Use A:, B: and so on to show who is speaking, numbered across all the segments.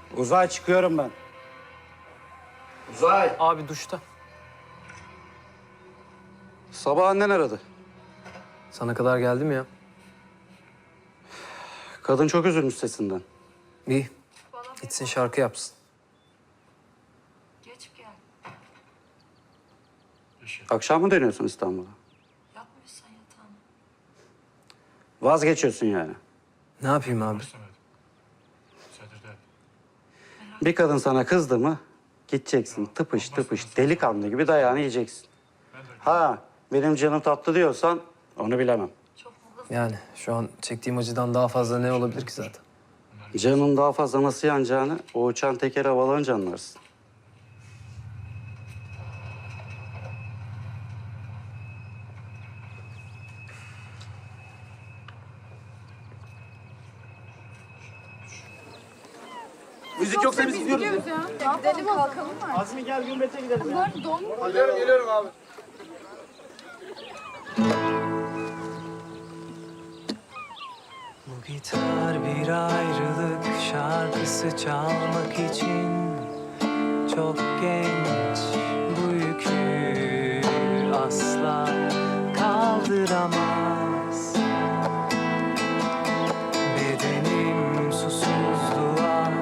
A: Uzay çıkıyorum ben. Uzay.
B: Abi duşta.
A: Sabah annen aradı.
B: Sana kadar geldim ya.
A: Kadın çok üzülmüş sesinden.
B: İyi. Gitsin şarkı yapsın.
C: Geç gel.
A: Akşam mı dönüyorsun İstanbul'a?
C: Yapmıyorsan yatağını.
A: Vazgeçiyorsun yani.
B: Ne yapayım abi?
A: Bir kadın sana kızdı mı gideceksin tıpış tıpış delikanlı gibi dayağını yiyeceksin. Ha benim canım tatlı diyorsan onu bilemem.
C: Çok mu hızlı?
B: Yani şu an çektiğim acıdan daha fazla ne olabilir ki zaten?
A: Canın daha fazla nasıl yanacağını o uçan teker havalanınca anlarsın.
D: Müzik yoksa biz gidiyoruz.
E: Ya gidelim kalkalım mı?
D: Azmi gel Gümbet'e gidelim.
E: Bunlar don mu?
D: Geliyorum abi.
F: Bu gitar bir ayrılık şarkısı çalmak için çok genç. Bu yükü asla kaldıramaz. Bedenim susuzluğa,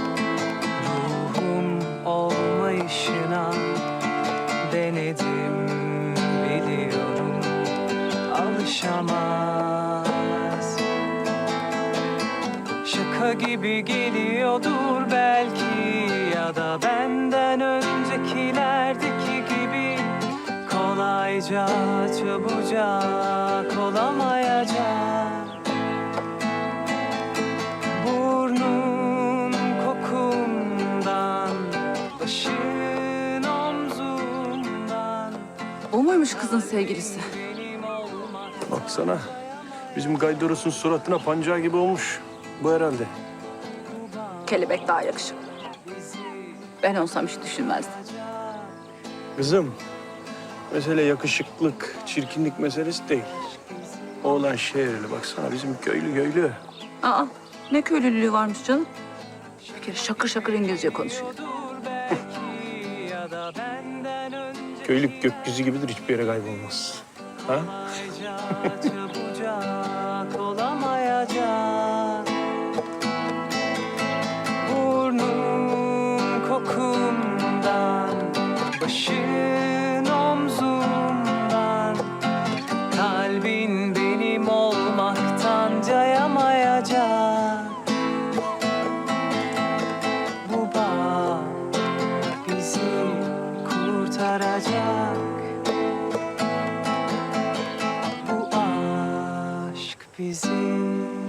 F: ruhum olmayışına denedim, biliyorum alışamaz. Şaka gibi geliyordur belki, ya da benden öncekilerdeki gibi kolayca, çabucak olamayacak. Burnun kokumdan, başın omzumdan.
E: O muymuş kızın sevgilisi?
F: Benim olmak
D: Baksana. Bizim Gaydoros'un suratına pancağı gibi olmuş. Bu herhalde.
E: Kelebek daha yakışıklı. Ben olsam hiç düşünmezdim.
D: Kızım, mesele yakışıklık, çirkinlik meselesi değil. Oğlan şehirli baksana bizim köylü.
E: Aa, ne köylülüğü varmış canım. Bir kere şakır şakır İngilizce konuşuyor.
F: belki, ya da benden önce
D: Köylük gökyüzü gibidir, hiçbir yere kaybolmaz. Ha?
F: çabucak olamayacak. Burnum kokumdan, başın omzumdan, kalbin benim olmaktan cayamayacak. Bu bağ bizi kurtaracak. Bu aşk bizi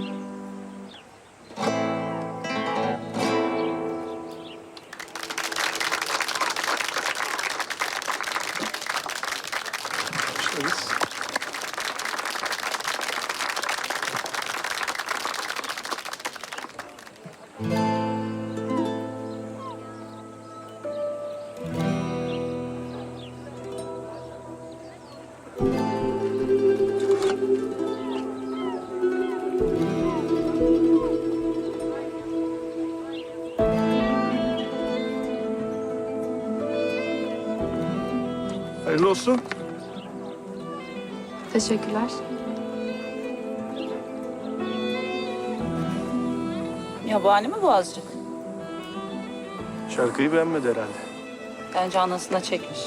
D: Başlarız. Hayırlı olsun.
E: Teşekkürler. Yabani mi bu azıcık?
D: Şarkıyı beğenmedi herhalde.
E: Bence anasına çekmiş.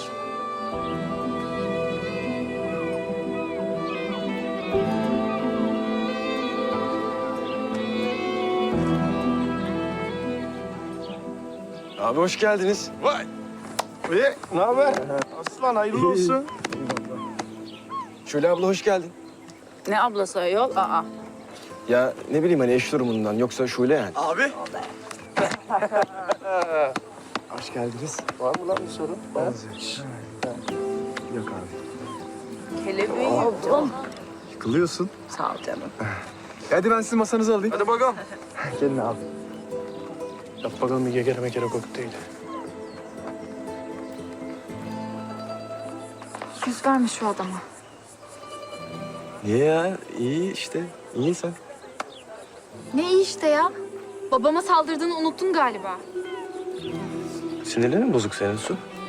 D: Abi hoş geldiniz. Vay. Ne haber? Aslan hayırlı olsun.
G: Şöyle abla hoş geldin.
E: Ne ablası ayol? Aa.
G: Ya ne bileyim hani eş durumundan yoksa Şule yani.
D: Abi.
G: Hoş geldiniz.
D: Var mı lan bir sorun?
G: Yok abi.
E: Kelebeği yuttum.
G: Yıkılıyorsun.
E: Sağ ol canım.
G: Hadi ben sizin masanızı alayım.
D: Hadi bakalım.
G: Gelin abi.
D: Yap bakalım bir gegere mekere kokteyl.
E: 100 vermiş şu adama.
G: Niye ya? İyi işte. İyi sen.
E: Ne iyi işte ya.
H: Babama saldırdığını unuttun galiba.
G: Sinirlerin mi bozuk senin Su?